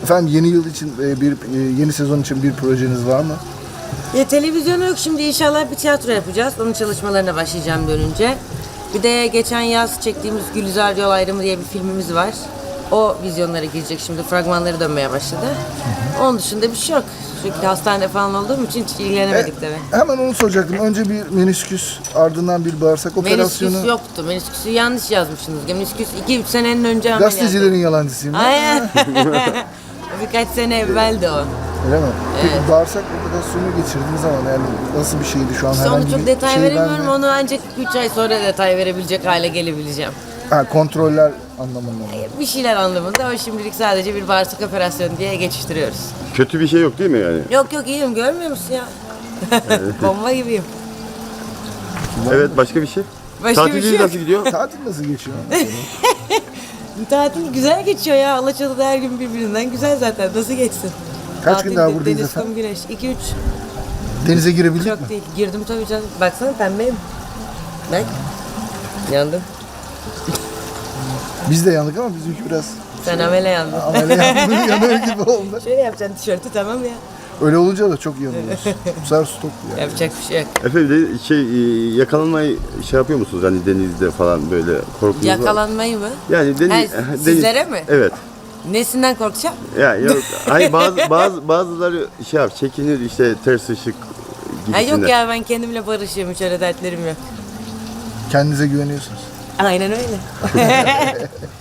Efendim yeni yıl için yeni sezon için bir projeniz var mı? Ya televizyonu yok, şimdi inşallah bir tiyatro yapacağız. Onun çalışmalarına başlayacağım dönünce. Bir de geçen yaz çektiğimiz Gülizar Yol Ayrımı diye bir filmimiz var. O vizyonlara girecek şimdi, fragmanları dönmeye başladı. Onun dışında bir şey yok. Sürekli hastanede falan olduğum için hiç ilgilenemedik tabii. Hemen onu soracaktım. Önce bir menisküs, ardından bir bağırsak operasyonu. Menisküs yoktu. Menisküsü yanlış yazmışsınız. Menisküs 2-3 senenin önce ameliyat. Gazetecilerin yalancısıyım. Aynen. Birkaç sene evveldi o. Öyle mi? Peki bağırsak operasyonu geçirdiğiniz zaman yani nasıl bir şeydi şu an? İşte onu çok detay şey veremiyorum. verme- Onu ancak 3 ay sonra detay verebilecek hale gelebileceğim. Kontroller anlamında mı? Bir şeyler anlamında ama şimdilik sadece bir bağırsak operasyonu diye geçiştiriyoruz. Kötü bir şey yok değil mi yani? Yok iyiyim, görmüyor musun ya? Bomba gibiyim. Evet, başka bir şey? Başka bir Tatiliniz şey yok. nasıl gidiyor? Tatil nasıl geçiyor? Tatil güzel geçiyor ya. Alaçatı'da her gün birbirinden güzel zaten. Nasıl geçsin? Kaç gün daha buradayız deniz, efendim? kum, güneş. 2-3. Denize girebildik mi? Çok değil. Girdim tabii canım. Baksana pembeyim. Bak. Yandım. Biz de yandık ama bizimki biraz Sen amele yandın. yanıyor gibi oldu. Şöyle yapacaksın tişörtü, tamam ya. Öyle olunca da çok yanıyoruz. Bu sefer stop yani. Yapacak bir şey yok. Efendim de yakalanmayı şey yapıyor musunuz hani denizde falan böyle korkunuz var? Yakalanmayı mı? Yani deniz, Ha, sizlere mi? Evet. Nesinden korkacağım? Yani yok. Hayır bazıları şey yap çekinir işte ters ışık Ha, gibisinden. yok ya, ben kendimle barışıyorum. Hiç öyle dertlerim yok. Kendinize güveniyorsunuz. Aynen öyle.